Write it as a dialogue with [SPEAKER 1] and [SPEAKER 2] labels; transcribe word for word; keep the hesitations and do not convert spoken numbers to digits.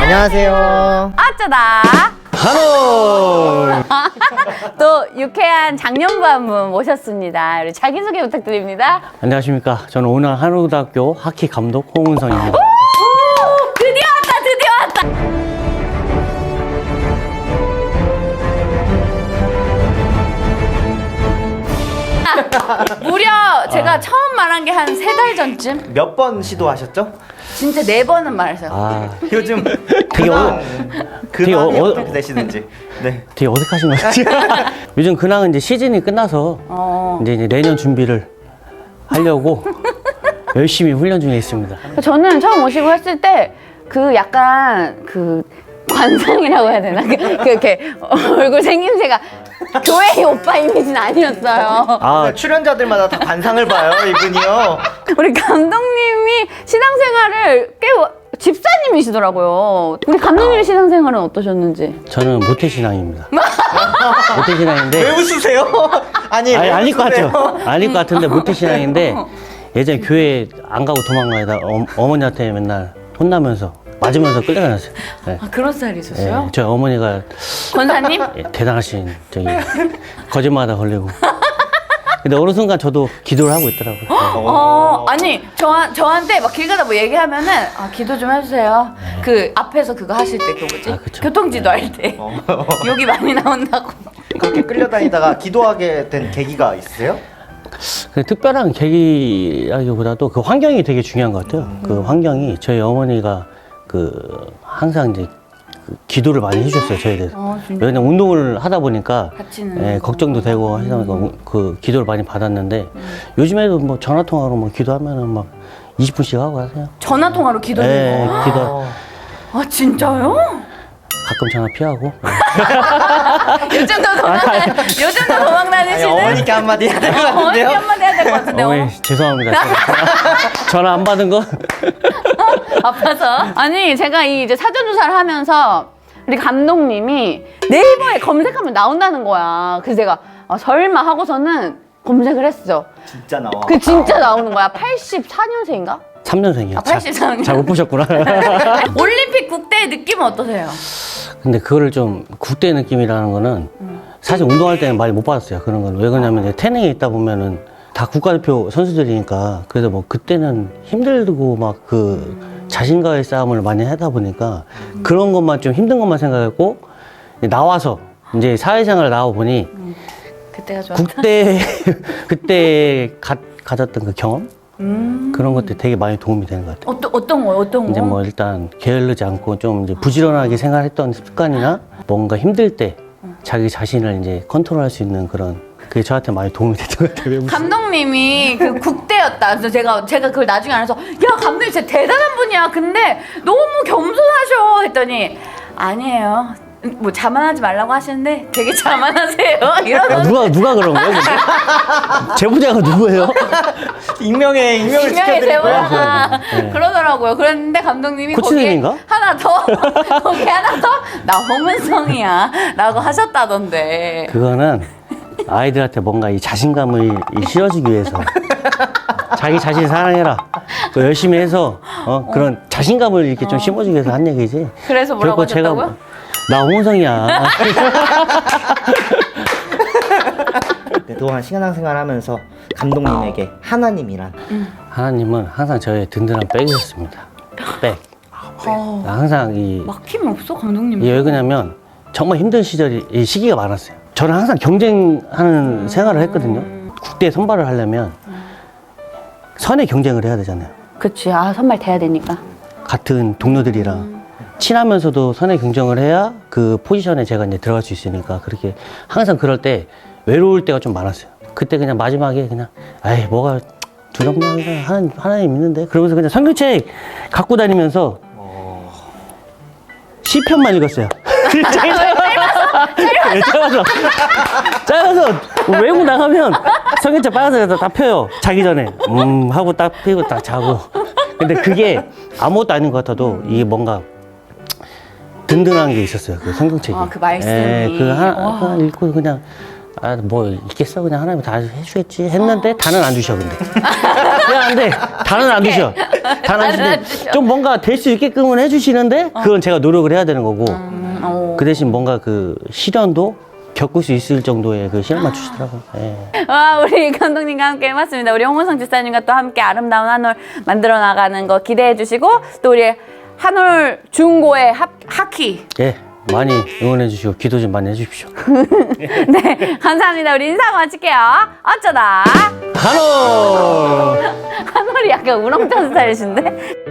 [SPEAKER 1] 안녕하세요.
[SPEAKER 2] 어쩌다
[SPEAKER 3] 한올.
[SPEAKER 2] 또 유쾌한 장년부 한 분 모셨습니다. 우리 자기소개 부탁드립니다.
[SPEAKER 3] 안녕하십니까. 저는 오늘 한올고등학교 하키 감독 홍은성입니다.
[SPEAKER 2] 오, 드디어 왔다 드디어 왔다. 무려 제가
[SPEAKER 3] 아.
[SPEAKER 2] 처음 말한 게 한 세 달 전쯤?
[SPEAKER 1] 몇 번 시도하셨죠?
[SPEAKER 2] 진짜 네 번은 말했어요.
[SPEAKER 3] 아,
[SPEAKER 1] 요즘
[SPEAKER 3] 되게
[SPEAKER 1] 근황,
[SPEAKER 3] 되게
[SPEAKER 1] 근황이
[SPEAKER 3] 어-
[SPEAKER 1] 어떻게 되시는지. 네.
[SPEAKER 3] 되게 어색하신 것 같아요. 요즘 근황은 이제 시즌이 끝나서
[SPEAKER 2] 어.
[SPEAKER 3] 이제, 이제 내년 준비를 하려고 열심히 훈련 중에 있습니다.
[SPEAKER 2] 저는 처음 오시고 했을 때 그 약간 그 관상이라고 해야 되나? 그, 그 이렇게 얼굴 생김새가 교회 오빠 이미지는 아니었어요.
[SPEAKER 3] 아,
[SPEAKER 1] 출연자들마다 다 관상을 봐요, 이분이요.
[SPEAKER 2] 우리 감독님이 신앙생활을 꽤 와- 집사님이시더라고요. 우리 감독님의 신앙생활은 어떠셨는지?
[SPEAKER 3] 저는 모태신앙입니다. 모태신앙인데.
[SPEAKER 1] 왜 웃으세요? 아니,
[SPEAKER 3] 아니,
[SPEAKER 1] 왜
[SPEAKER 3] 아닐 것
[SPEAKER 1] 웃으세요?
[SPEAKER 3] 같죠? 아닐 것 같은데 모태신앙인데 예전에 교회 안 가고 도망가다 어, 어머니한테 맨날 혼나면서 맞으면서 끌려다녔어요. 네.
[SPEAKER 2] 아, 그런 스타일이셨어요?
[SPEAKER 3] 예, 저희 어머니가
[SPEAKER 2] 권사님?
[SPEAKER 3] 예, 대단하신 저기 거짓말하다 걸리고. 근데 어느 순간 저도 기도를 하고 있더라고요.
[SPEAKER 2] 어, 아니, 저, 저한테 막 길 가다 뭐 얘기하면은, 아, 기도 좀 해주세요. 그 앞에서 그거 하실 때, 그 뭐지?
[SPEAKER 3] 아, 그쵸.
[SPEAKER 2] 교통지도 할 때. 욕이 많이 나온다고.
[SPEAKER 1] 그렇게 끌려다니다가 기도하게 된 계기가 있으세요?
[SPEAKER 3] 그 특별한 계기라기보다도 그 환경이 되게 중요한 것 같아요. 그 환경이 저희 어머니가 그 항상 이제 그 기도를 많이 해주셨어요, 저에 대해서.
[SPEAKER 2] 어, 진짜?
[SPEAKER 3] 왜냐면 운동을 하다 보니까
[SPEAKER 2] 같이는.
[SPEAKER 3] 예, 걱정도 되고 해서 그, 그 기도를 많이 받았는데 요즘에도 뭐 전화 통화로 뭐 기도하면은 막 이십 분씩 하고 하세요.
[SPEAKER 2] 전화통화로 기도를
[SPEAKER 3] 예,
[SPEAKER 2] 해요?
[SPEAKER 3] 기도
[SPEAKER 2] 아, 진짜요?
[SPEAKER 3] 가끔 전화 피하고.
[SPEAKER 2] 요즘도 도망, 요즘도 도망
[SPEAKER 1] 아니,
[SPEAKER 2] 다니시는?
[SPEAKER 1] 어머니께 한마디 해야 될 것
[SPEAKER 2] 어머니
[SPEAKER 1] 같은데요?
[SPEAKER 2] 한마디 해야 될 것 같은데.
[SPEAKER 3] 어머니
[SPEAKER 2] 어?
[SPEAKER 3] 죄송합니다. 전화 안 받은 거.
[SPEAKER 2] 아파서. 아니, 제가 이 이제 사전조사를 하면서 우리 감독님이 네이버에 검색하면 나온다는 거야. 그래서 제가 아, 설마 하고서는 검색을 했어.
[SPEAKER 1] 진짜 나와.
[SPEAKER 2] 그 진짜 나오는 거야. 팔십사 년생인가?
[SPEAKER 3] 삼 년생이요.
[SPEAKER 2] 아, 팔십삼 년.
[SPEAKER 3] 잘 못 보셨구나.
[SPEAKER 2] 올림픽 국대 느낌은 어떠세요?
[SPEAKER 3] 근데 그거를 좀 국대 느낌이라는 거는 사실 운동할 때는 많이 못 받았어요. 그런 걸. 왜 그러냐면 이제 태능에 있다 보면은 다 국가대표 선수들이니까 그래서 뭐 그때는 힘들고 막 그 자신과의 싸움을 많이 하다 보니까 그런 것만 좀 힘든 것만 생각했고 나와서 이제 사회생활 나와 보니
[SPEAKER 2] 그때가 좋았다.
[SPEAKER 3] 국대 그때 가, 가졌던 그 경험
[SPEAKER 2] 음.
[SPEAKER 3] 그런 것들 되게 많이 도움이 되는 것 같아요.
[SPEAKER 2] 어떤 어떤 거 어떤 거?
[SPEAKER 3] 이제 뭐 일단 게을르지 않고 좀 이제 부지런하게 생활했던 습관이나 뭔가 힘들 때 자기 자신을 이제 컨트롤할 수 있는 그런 그게 저한테 많이 도움이 됐던 것 같아요.
[SPEAKER 2] 감독님이 그 국대였다. 그래서 제가 제가 그걸 나중에 알아서 야 감독님 진짜 대단한 분이야. 근데 너무 겸손하셔 했더니 아니에요. 뭐 자만하지 말라고 하시는데 되게 자만하세요.
[SPEAKER 3] 아,
[SPEAKER 2] 이러면서
[SPEAKER 3] 누가 누가 그런 거예요? 근데? 제보자가 누구예요?
[SPEAKER 1] 익명의 익명을
[SPEAKER 2] 분명히
[SPEAKER 1] 지켜드릴 거야.
[SPEAKER 2] 제보가
[SPEAKER 3] 네.
[SPEAKER 2] 그러더라고요. 그랬는데 감독님이
[SPEAKER 3] 코치님인가?
[SPEAKER 2] 거기에 하나 더 거기 하나 더 나 홍은성이야 라고 하셨다던데.
[SPEAKER 3] 그거는 아이들한테 뭔가 이 자신감을 이 실어주기 위해서 자기 자신 사랑해라. 또 열심히 해서 어, 그런 자신감을 이렇게 좀 심어주기 위해서 한 얘기지.
[SPEAKER 2] 그래서 뭐라고
[SPEAKER 3] 결코 제가
[SPEAKER 2] 하셨다고요?
[SPEAKER 3] 나 홍성이야.
[SPEAKER 1] 그동안 신앙생활 하면서 감독님에게 하나님이란
[SPEAKER 3] 하나님은 항상 저의 든든한 백이었습니다. 백.
[SPEAKER 2] 어,
[SPEAKER 3] 항상 이
[SPEAKER 2] 막힘이 없어 감독님.
[SPEAKER 3] 이게 왜 그러냐면 정말 힘든 시절이 이 시기가 많았어요. 저는 항상 경쟁하는 생활을 했거든요. 국대 선발을 하려면 선의 경쟁을 해야 되잖아요.
[SPEAKER 2] 그치. 아 선발 돼야 되니까.
[SPEAKER 3] 같은 동료들이랑 친하면서도 선의 경쟁을 해야 그 포지션에 제가 이제 들어갈 수 있으니까 그렇게 항상 그럴 때 외로울 때가 좀 많았어요. 그때 그냥 마지막에 그냥 아이 뭐가 두렵냐 그냥 하나님, 하나님 있는데 그러면서 그냥 성경책 갖고 다니면서 시편만 읽었어요. 짧아서 짧아서 외국 나가면 성경책 빨간색에다 다 펴요. 자기 전에 음 하고 딱 펴고 딱 자고. 근데 그게 아무것도 아닌 것 같아도 이게 뭔가 든든한 게 있었어요. 그 성경책이.
[SPEAKER 2] 아, 그 말씀이.
[SPEAKER 3] 예, 그 하나,
[SPEAKER 2] 와.
[SPEAKER 3] 하나 읽고 그냥 아, 뭐 있겠어 그냥 하나님이 다 해주겠지 했는데 다는 안 주셔 근데 그냥 안돼 다는 안 주셔 다는 안 주는데 좀 뭔가 될 수 있게끔은 해주시는데 그건 제가 노력을 해야 되는 거고
[SPEAKER 2] 음, 어.
[SPEAKER 3] 그 대신 뭔가 그 시련도 겪을 수 있을 정도의 그 시련만 주시더라고요. 예.
[SPEAKER 2] 와, 우리 감독님과 함께 해봤습니다. 우리 홍은성 집사님과 또 함께 아름다운 한올 만들어 나가는 거 기대해 주시고 또 우리 한올 중고의 하, 하키
[SPEAKER 3] 예, 많이 응원해 주시고 기도 좀 많이 해주십시오.
[SPEAKER 2] 네, 감사합니다. 우리 인사 마칠게요. 어쩌다
[SPEAKER 3] 한올
[SPEAKER 2] 한올이 약간 우렁찬 스타일이신데?